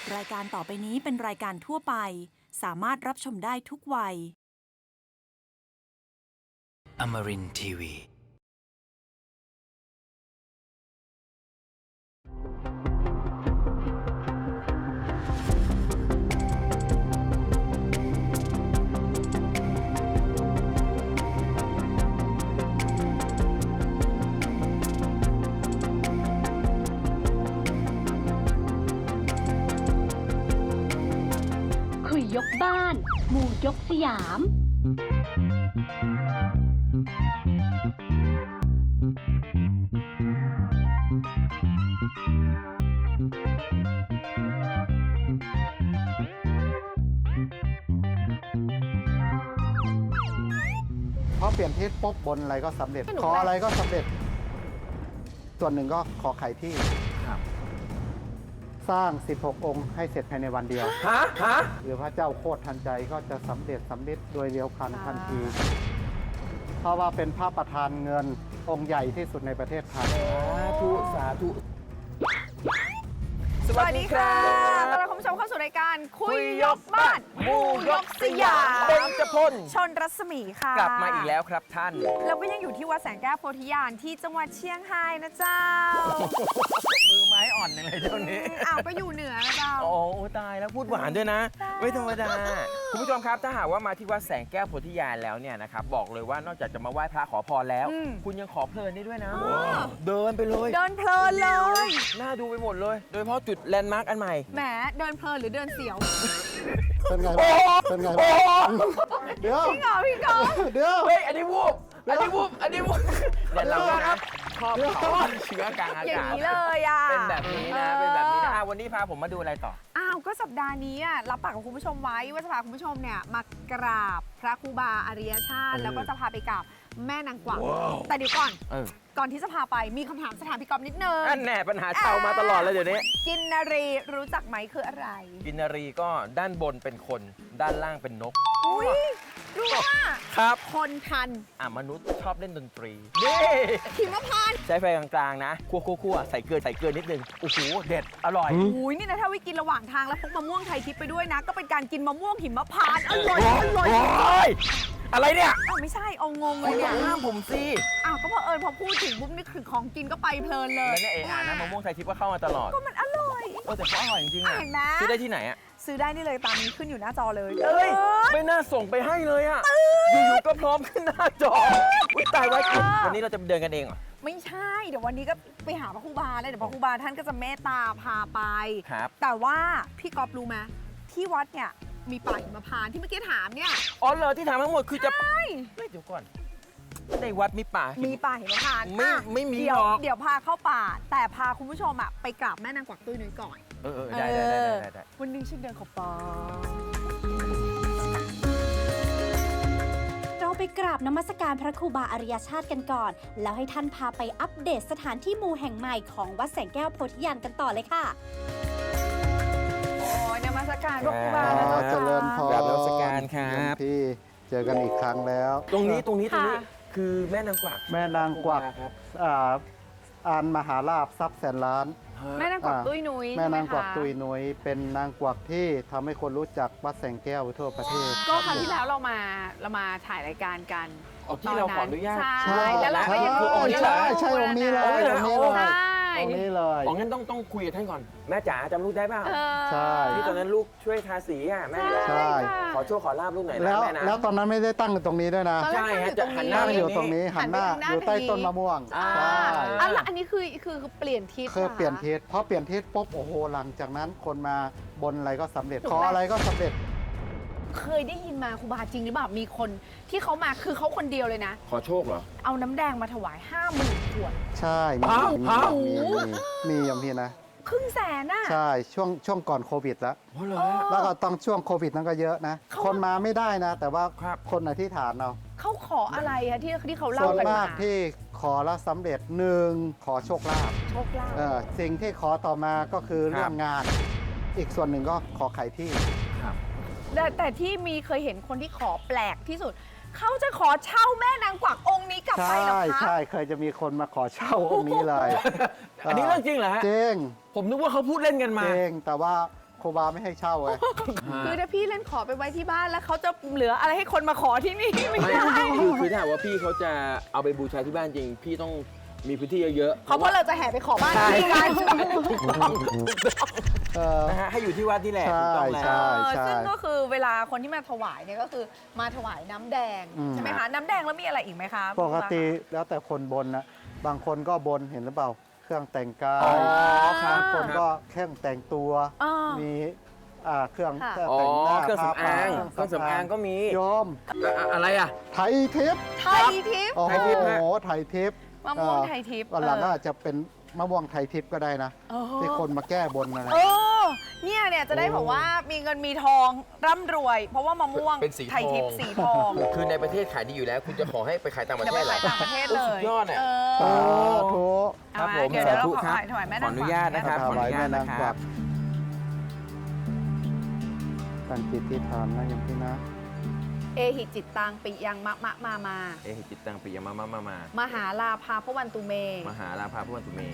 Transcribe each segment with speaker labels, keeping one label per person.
Speaker 1: รายการต่อไปนี้เป็นรายการทั่วไปสามารถรับชมได้ทุกวัย
Speaker 2: Amarin Tiwi.
Speaker 3: คุยยกบ้านหมู่ยกสยาม
Speaker 4: พอเปลี่ยนทิศปุ๊บบนอะไรก็สำเร็จ ขออะไรก็สำเร็จ ส่วนหนึ่งก็ขอไขที่สร้าง 16 องค์ให้เสร็จภายในวันเดียวหรือพระเจ้าโคตรทันใจก็จะสำเร็จโดยเร็วพันทันที เพราะว่าเป็นพระประธานเงินองค์ใหญ่ที่สุดในประเทศไทย
Speaker 5: สาธุ
Speaker 6: สวัสดีค่ะต้อนรับคุณผู้ชมเข้าสู่รายการคุยยกบ้านหมู่ยกสยาม
Speaker 5: เบญจพล
Speaker 6: ชนรัศมีค่ะ
Speaker 5: กลับมาอีกแล้วครับท่าน
Speaker 6: เราก็ยังอยู่ที่วัดแสงแก้วโพธิญาณที่จังหวัดเชียงรายนะเจ้า
Speaker 5: มือไม้อ่อนยังไงเจ้านี้
Speaker 6: อ้าวก็อยู่เหนือนะเจ้า
Speaker 5: โอ้ตายแล้วพูดหวานด้วยนะ ไม่ธรรมดา คุณผู้ชมครับถ้าหากว่ามาที่วัดแสงแก้วโพธิญาณแล้วเนี่ยนะครับบอกเลยว่านอกจากจะมาไหว้พระขอพรแล้ว คุณยังขอเพลินได้ด้วยนะ เดินไปเลย
Speaker 6: เดินเพลินเลย
Speaker 5: น่าดูไปหมดเลย โดยเฉพาะจุดแลนด์มาร์กอันใหม่
Speaker 6: แหมเดินเพลินหรือเดินเสียว
Speaker 4: เป็นไงบ้างเป็นไงบ้างเดี๋ยว
Speaker 6: พี่เหงาพี่กอล์ฟ
Speaker 4: เดี๋ยว
Speaker 5: เฮ้ย อันนี้วูบเนี่ยเรานะชอบเผาเชื้อกลางอา
Speaker 6: อย่าง
Speaker 5: กาศ
Speaker 6: นี้เลยอ่ะ
Speaker 5: เป็นแบบนี้นะเป็นแบบนี้นะวันนี้พาผมมาดูอะไรต่อ
Speaker 6: อ้าวก็สัปดาห์นี้อ่ะรับปากกับคุณผู้ชมไว้ว่าจะพาคุณผู้ชมเนี่ยมากราบพระครูบาอริยชาติ แล้วก็จะพาไปกราบแม่นางกวักแต่เดี๋ยวก่อน ก่อนที่จะพาไปมีคำถามสถานพี่กอล์ฟนิดนึง
Speaker 5: อันแน่ปัญหาชาวมาตลอดเลยเดี๋ยวนี้
Speaker 6: กินนารีรู้จักไหมคืออะไร
Speaker 5: กินนารีก็ด้านบนเป็นคน ด้านล่างเป็นนก
Speaker 6: อุ้ยรู้ว่า
Speaker 5: ครับ
Speaker 6: คนทัน
Speaker 5: มนุษย์ชอบเล่นดนตรีนี่
Speaker 6: หิมพานต์
Speaker 5: ใช้ไฟกลางๆนะคั่วใส่เกลือนิดนึงโอ้โหเด็ดอร่อย
Speaker 6: อุ้ยนี่นะถ้าวิกินระหว่างทางแล้วพกมะม่วงไทยทิพย์ไปด้วยนะ ก็เป็นการกินมะม่วงหิมพานต์อร่อยอร่อย
Speaker 5: โอ้ยอะไรเนี่ย
Speaker 6: อ้าวไม่ใช่เอางงเล
Speaker 5: คุ
Speaker 6: ย
Speaker 5: ณ
Speaker 6: เนี่ย
Speaker 5: ห้ามผมสิ
Speaker 6: อ้าวก็พอพอพูดถึงปุ๊บนี่คือของกินก็ไปเพลินเลย
Speaker 5: แล้วเนี่ยนะมะม่วงไทยทิพย์ก็เข้ามาตลอด
Speaker 6: ก็มันอร่อย
Speaker 5: แต่เขาอร่อยจริงๆอ่ะ
Speaker 6: เห็นไหม
Speaker 5: ซื้อได้ที่ไหนอ่ะ
Speaker 6: ซื้อได้นี่เลยตามนี้ขึ้นอยู่หน้าจอเลย
Speaker 5: เอ้ยไม่น่าส่งไปให้เลยอ่ะอยู่ๆก็พร้อมขึ้นหน้าจออุ๊ยตายไว้วันนี้เราจะเดินกันเองเหรอ
Speaker 6: ไม่ใช่ เดี๋ยววันนี้ก็ไปหาพระครูบาเลยเดี๋ยวพระครูบาท่านก็จะเมตตาพาไป
Speaker 5: ครับ
Speaker 6: แต่ว่าพี่ก๊อฟรู้ไหมที่วัดเนี่ยมีป่าหิมพานต์ที่เมื่อกี้ถามเนี่ย
Speaker 5: อ๋อเหรอที่ถามทั้งหมดคือจะเฮ้ยเดี๋ยวก่อนในวัดมีป่า
Speaker 6: มีป่าหิมพานต์
Speaker 5: ไม่
Speaker 6: อ่ะ
Speaker 5: ไม่มี
Speaker 6: เดี๋ยว
Speaker 5: หรอก
Speaker 6: เดี๋ยวพาเข้าป่า แต่พาคุณผู้ชมอ่ะไปกราบแม่นางกวักตุ้ยนุ้ยก่อน
Speaker 5: ได้
Speaker 6: วันนี้ฉันเดินเข้าป่า
Speaker 3: เราไปกราบนมัสการพระครูบาอริยชาติกันก่อน แล้วให้ท่านพาไปอัปเดตสถานที่มูแห่งใหม่ของวัดแสงแก้วโพธิญาณกันต่อเลยค่ะ
Speaker 6: โอ้ยนมัสการพระครูบา
Speaker 4: อ๋
Speaker 6: นะ
Speaker 4: อ
Speaker 6: เจ้า
Speaker 4: เจริญพร
Speaker 5: กราบนมัสการครับ
Speaker 4: พี่เจอกันอีกครั้งแล้ว
Speaker 5: ตรงนี้
Speaker 6: ค่ะ
Speaker 5: คือแม่นางกวัก
Speaker 4: แม่นางกวัก
Speaker 5: ครับ
Speaker 4: อานมหาลาภทรัพย์แสนล้าน
Speaker 6: แม่นางกวักตุ้ยนุ้ย
Speaker 4: แม่นางกวัก
Speaker 6: ใช่ไหมคะ
Speaker 4: ตุยนุ้ยเป็นนางกวักที่ทำให้คนรู้จักวัดแสงแก้วทั่วประเทศ
Speaker 6: ก็ครั้งที่แล้วเรามาถ่ายรายการกัน
Speaker 5: เอาที่เราขออนุญาต
Speaker 6: ใช่แล้วเราก็ยัง
Speaker 5: คือองค์นี้เหรอ
Speaker 4: ใช่องค์นี้เลย
Speaker 5: องค์นี้เลย
Speaker 4: องค์นี้เลย
Speaker 6: ใช่
Speaker 4: องค์นี้เลย
Speaker 5: อ๋องั้นต้องคุยกับท่านก่อน แม่จ๋าจำลูกได้เปล่า
Speaker 4: ใช่
Speaker 5: ที่ตอนนั้นลูกช่วยทาสีอ่ะแม่
Speaker 4: ใช่
Speaker 5: ขอโชคขอลาบลูกหน่อยนะ
Speaker 4: แล้ว
Speaker 5: แม่นะ
Speaker 4: แล้วตอนนั้นไม่ได้ตั้งอยู่ตรงนี้ด้วยนะ
Speaker 6: ตอนแรก
Speaker 5: ใช่ฮะ
Speaker 6: ตั้ง
Speaker 5: จะหันห
Speaker 4: ตั้ง
Speaker 5: น้า
Speaker 4: อยู่ตรงนี้หันหน้า
Speaker 6: หันไปทางหน้า
Speaker 4: อยู่ใต้ต้นมะม่วง
Speaker 5: อ่า
Speaker 4: ใช่
Speaker 6: อ่ะแล้วอันนี้คือเปลี่ยนทิศ
Speaker 4: คือเปลี่ยน
Speaker 6: หรอ
Speaker 4: ทิศพอเปลี่ยนทิศปุ๊บโอ้โหหลังจากนั้นคนมาบนอะไรก็สำเร็จ
Speaker 6: ถูก
Speaker 4: ขอ
Speaker 6: ไหม
Speaker 4: อะไรก็สำเร็จ
Speaker 6: เคยได้ยินมาครูบาจริงหรือเปล่ามีคนที่เขามาคือเขาคนเดียวเลยนะ
Speaker 5: ขอโชคเหรอ
Speaker 6: เอาน้ำแดงมาถวาย 50,000 ขวด
Speaker 4: ใช่มี
Speaker 5: ฮะ
Speaker 4: มี
Speaker 5: ฮะ
Speaker 4: มีอย่างพี่นะ
Speaker 6: ครึ่งแสนน่ะ
Speaker 4: ใช่ช่วงก่อนโควิดแล้ว
Speaker 5: โอ้เหรอ
Speaker 4: แล้วก็ต้องช่วงโควิดนั้นก็เยอะนะ
Speaker 6: เขา
Speaker 4: คนมาไม่ได้นะ แต่ว่า
Speaker 5: ครับ
Speaker 4: คนอธิษฐานเอา
Speaker 6: เขาขออะไรอะที่เขา
Speaker 4: ส่
Speaker 6: เล่า
Speaker 4: วน
Speaker 6: กัน
Speaker 4: มาม
Speaker 6: าก
Speaker 4: ที่ขอแล้วสำเร็จหนึ่งขอโชคลาภ
Speaker 6: โชคลาภ
Speaker 4: สิ่งที่ขอต่อมาก็คือ
Speaker 5: ครับ
Speaker 4: เรื่องงาน อีกส่วนหนึ่งก็ขอไขที่
Speaker 6: แต่ที่มีเคยเห็นคนที่ขอแปลกที่สุด เขาจะขอเช่าแม่นางกวักองค์นี้กลับไป
Speaker 4: ใช่
Speaker 6: เหรอคะ
Speaker 4: ใช่เคยจะมีคนมาขอเช่าองค์นี้เลย
Speaker 5: อันนี้เรื่องจริงเหรอฮะ
Speaker 4: จริง
Speaker 5: ผมนึกว่าเขาพูดเล่นกันมา
Speaker 4: จริงแต่ว่าครูบาไม่ให้เช่าไง
Speaker 6: คือถ้าพี่เล่นขอไปไว้ที่บ้านแล้วเขาจะเหลืออะไรให้คนมาขอที่นี่ไม่
Speaker 5: ไม่
Speaker 6: ได้
Speaker 5: คือถ้าหากว่าพี่เขาจะเอาไปบูชาที่บ้านจริง พี่ต้องมีพื้นที่เยอะๆ
Speaker 6: เพราะเราจะแห่ไปขอบ้าน
Speaker 5: ใช่
Speaker 6: พี่กัน
Speaker 5: ถูกต้อง นะฮะให้อยู่ที่วัดนี่แหละถูกต้องแล้ว
Speaker 4: ใช่
Speaker 6: ซึ่งก็คือเวลาคนที่มาถวายเนี่ยก็คือมาถวายน้ำแดงใช่ไหมคะน้ำแดงแล้วมีอะไรอีกไหมคะ
Speaker 4: ปกติแล้วแต่คนบนนะบางคนก็บนเห็นหรือเปล่า เครื่องแต่งกา
Speaker 5: อ๋
Speaker 4: ย
Speaker 5: อครับ
Speaker 4: บางคนก็เครื่องแต่งตัว มีเครื่อง
Speaker 6: ค่ะ
Speaker 5: อ๋อ
Speaker 4: แต่งหน้า
Speaker 5: เครื่องสำอาง
Speaker 4: ผ้
Speaker 5: เครื่องสำอางก็มี
Speaker 4: โยม
Speaker 5: อะไรอ่ะ
Speaker 4: ไทยทิพย์
Speaker 6: ไทยทิพย์
Speaker 4: โอ้
Speaker 5: ไทยทิพย์ฮะ
Speaker 4: โหไทยทิพย์
Speaker 6: มะม่วงไทยทิพย์
Speaker 4: วันหลังก็อาจจะเป็นมะม่วงไทยทิพย์ก็ได้นะ
Speaker 6: เออ
Speaker 4: ที่คนมาแก้บนอะไร
Speaker 6: เนี่ยจะได้บอกว่ามีเงินมีทองร่ำรวย เพราะว่ามะม่วง
Speaker 5: เป็นสีทอง
Speaker 6: ไทยทิพย์สีทอง
Speaker 5: คือในประเทศขายดีอยู่แล้ว คุณจะขอให้ไปขายต่างประ
Speaker 6: จะ
Speaker 5: เท
Speaker 6: ไป
Speaker 5: ศเหร
Speaker 6: ขา
Speaker 5: อย
Speaker 6: ต่างประเทศเลย
Speaker 5: สุดยอดอ่ะ
Speaker 6: เอ
Speaker 4: สา
Speaker 6: อ
Speaker 4: ธุ
Speaker 5: ครับผม
Speaker 6: เดี๋ยวเรา
Speaker 5: สาธุ
Speaker 6: ขอ
Speaker 5: ครับ
Speaker 6: ถวายแม่
Speaker 5: ข
Speaker 6: นา
Speaker 5: อง อนุญาตนะครับ
Speaker 4: ถ
Speaker 5: ขออ
Speaker 4: วาย
Speaker 5: นุญา
Speaker 4: แม่
Speaker 5: ต
Speaker 4: นา
Speaker 5: นะ
Speaker 4: ง
Speaker 5: ค
Speaker 4: กวั
Speaker 5: รั
Speaker 4: ก
Speaker 5: บ
Speaker 4: ตั้งจิตที่ฐานนะโยมพี่นะ
Speaker 6: เอหิจิตตังปิยังมะมา
Speaker 5: เอหิจิตตังปิยมะมะ
Speaker 6: มหาลาภาพวันตุเม
Speaker 5: มหาลาภาพุทธตุเม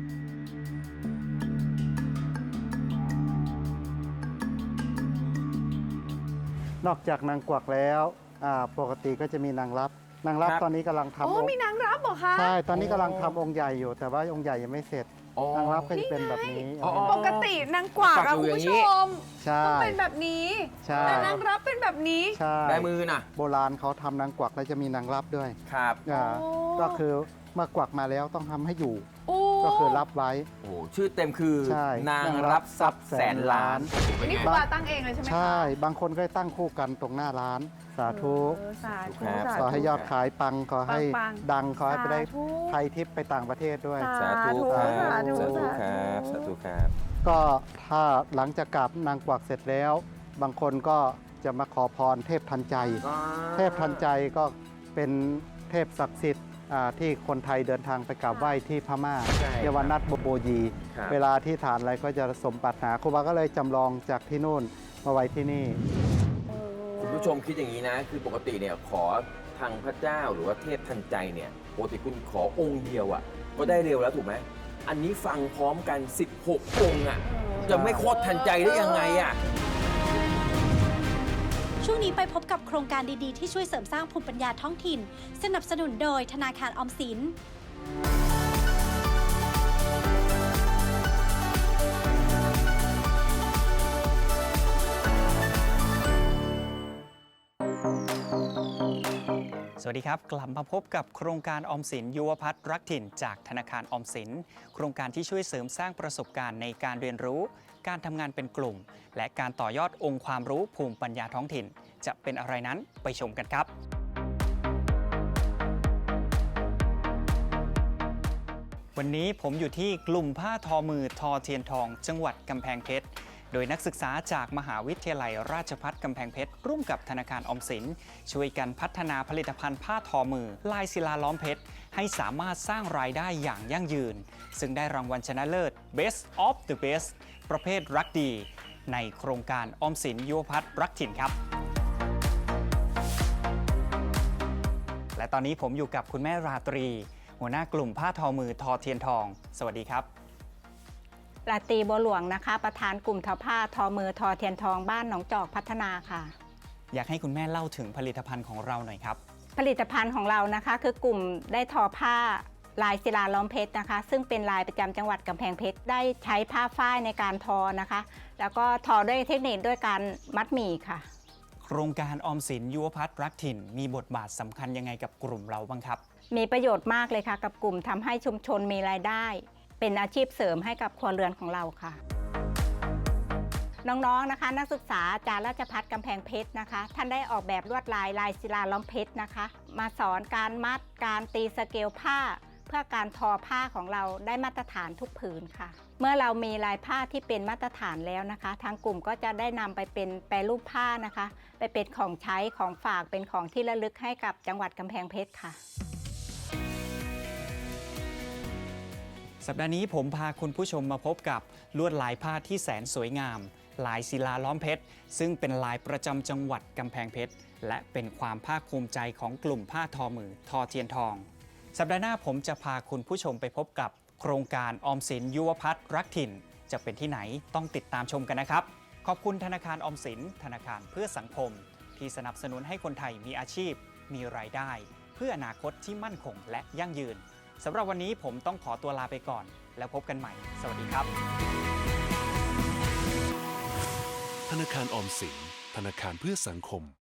Speaker 4: นอกจากนางกวักแล้วปกติก็จะมีนางรับนางรับตอนนี้กำลังทำ
Speaker 6: โอ้
Speaker 4: องค์
Speaker 6: มีนางรับเหรอคะ
Speaker 4: ใช่ตอนนี้กำลังทำองค์ใหญ่อยู่ แต่ว่าองค์ใหญ่ยังไม่เสร็จ
Speaker 5: อ๋อน
Speaker 4: างรับก็จะเป็นแบบนี้
Speaker 5: อ๋อ
Speaker 6: ปกตินางกวัก
Speaker 5: กวั
Speaker 6: อะ
Speaker 5: กอยู่
Speaker 6: คุณ
Speaker 5: อย่างนี้
Speaker 6: ผู้ชม
Speaker 4: ใช่
Speaker 6: ต้องเป็นแบบนี้
Speaker 4: ใช่
Speaker 6: แต่นางรับเป็นแบบนี้
Speaker 4: ใช่
Speaker 5: ได้มือน่ะ
Speaker 4: โบราณเขาทำนางกวักแล้วจะมีนางรับด้วย
Speaker 5: ครับ
Speaker 6: โอ้
Speaker 4: ก็คือเมื่อกวักมาแล้วต้องทำให้อยู่
Speaker 6: โอ้
Speaker 4: ก็คือรับไว้
Speaker 5: โอ้ชื่อเต็มคือ
Speaker 4: ใช่
Speaker 5: นางรับทรัพย์แสนล้านเป็น
Speaker 6: นี่
Speaker 5: ไง
Speaker 6: ครูบาตั้งเองเลยใช่ไหมคะ
Speaker 4: ใช่บางคนก็ตั้งคู่กันตรงหน้าร้าน สาธุ
Speaker 6: เออสาธุ
Speaker 5: ครับ
Speaker 6: สา
Speaker 4: ขอ
Speaker 6: ธุ
Speaker 4: ให้ยอดขายปังขอให้
Speaker 6: ปัง
Speaker 4: ดังขอให้ไปได้
Speaker 6: สาธุ
Speaker 4: ไทยทิพย์ไปต่างประเทศด้วย
Speaker 5: สาธุครับ
Speaker 6: สาธุ
Speaker 5: สาธุ
Speaker 6: สาธุ
Speaker 5: ครับสาธุครับ
Speaker 4: ก็ถ้าหลังจากกราบนางกวักเสร็จแล้ว บางคนก็จะมาขอพรเทพทันใจ เทพทันใจก็เป็นเทพศักดิ์สิทธิ์ที่คนไทยเดินทางไปกราบไหว้ที่พม่า
Speaker 5: ใช่
Speaker 4: เยาวนัทโบยี
Speaker 5: ครับ
Speaker 4: เวลาที่ฐานอะไรก็จะสมปรารถนาครูบาก็เลยจำลองจากที่นู่นมาไว้ที่นี่
Speaker 5: คุณผู้ชมคิดอย่างนี้นะ คือปกติเนี่ยขอทางพระเจ้าหรือว่าเทพทันใจเนี่ยปกติคุณขอองค์เดียวอ่ะก็ได้เร็วแล้วถูกไหมอันนี้ฟังพร้อมกัน 16 องค์อ่ะจะไม่โคตรทันใจได้ยังไงอ่ะ
Speaker 3: ช่วงนี้ไปพบกับโครงการดีๆ ที่ช่วยเสริมสร้างภูมิปัญญาท้องถิ่น สนับสนุนโดยธนาคารออมสิน
Speaker 7: สวัสดีครับกลับมาพบกับโครงการออมสินยุวพัฒน์รักถิ่นจากธนาคารออมสินโครงการที่ช่วยเสริมสร้างประสบการณ์ในการเรียนรู้การทำงานเป็นกลุ่ม และการต่อยอดองค์ความรู้ภูมิปัญญาท้องถิ่น จะเป็นอะไรนั้นไปชมกันครับ วันนี้ผมอยู่ที่กลุ่มผ้าทอมือทอเทียนทอง จังหวัดกำแพงเพชรโดยนักศึกษาจากมหาวิทยาลัยราชภัฏกำแพงเพชรร่วมกับธนาคารออมสินช่วยกันพัฒนาผลิตภัณฑ์ผ้าทอมือลายศิลาล้อมเพชรให้สามารถสร้างรายได้อย่างยั่งยืน ซึ่งได้รางวัลชนะเลิศ Best of the Best ประเภทรักดี ในโครงการออมสินยุวพัฒน์รักถิ่นครับ และตอนนี้ผมอยู่กับคุณแม่ราตรี หัวหน้ากลุ่มผ้าทอมือทอเทียนทอง สวัสดีครับ
Speaker 8: ราตรีบัวหลวงนะคะประธานกลุ่มทอผ้าทอมือทอเทียนทองบ้านหนองจอกพัฒนาค่ะ
Speaker 7: อยากให้คุณแม่เล่าถึงผลิตภัณฑ์ของเราหน่อยครับ
Speaker 8: ผลิตภัณฑ์ของเรานะคะคือกลุ่มได้ทอผ้าลายศิลาล้อมเพชรนะคะ ซึ่งเป็นลายประจำจังหวัดกำแพงเพชรได้ใช้ผ้าฝ้ายในการทอนะคะ แล้วก็ทอด้วยเทคนิคด้วยการมัดหมี่ค่ะ
Speaker 7: โครงการออมสินยุวพัฒน์รักถิ่นมีบทบาทสำคัญยังไงกับกลุ่มเราบ้างครับ
Speaker 8: มีประโยชน์มากเลยค่ะกับกลุ่มทำให้ชุมชนมีรายได้ เป็นอาชีพเสริมให้กับครัวเรือนของเราค่ะ น้องๆนะคะนักศึกษาจากราชภัฏกำแพงเพชรนะคะท่านได้ออกแบบลวดลายศิลาล้อมเพชรนะคะมาสอนการมัดการตีสเกลผ้า เพื่อการทอผ้าของเราได้มาตรฐานทุกผืนค่ะ เมื่อเรามีลายผ้าที่เป็นมาตรฐานแล้วนะคะทางกลุ่มก็จะได้นำไปเป็นแปรรูปผ้านะคะไปเป็นของใช้ของฝากเป็นของที่ระลึกให้กับจังหวัดกำแพงเพชรค่ะ
Speaker 7: สัปดาห์นี้ผมพาคุณผู้ชมมาพบกับลวดลายผ้าที่แสนสวยงาม ลายศิลาล้อมเพชรซึ่งเป็นลายประจำจังหวัดกำแพงเพชรและเป็นความภาคภูมิใจของกลุ่มผ้าทอมือทอเทียนทอง สัปดาห์หน้าผมจะพาคุณผู้ชมไปพบกับโครงการออมสินยุวพัฒน์รักถิ่นจะเป็นที่ไหนต้องติดตามชมกันนะครับขอบคุณธนาคารออมสินธนาคารเพื่อสังคมที่สนับสนุนให้คนไทยมีอาชีพมีรายได้เพื่ออนาคตที่มั่นคงและยั่งยืนสำหรับวันนี้ผมต้องขอตัวลาไปก่อนแล้วพบกันใหม่สวัสดีครับ
Speaker 9: ธนาคารออมสินธนาคารเพื่อสังคม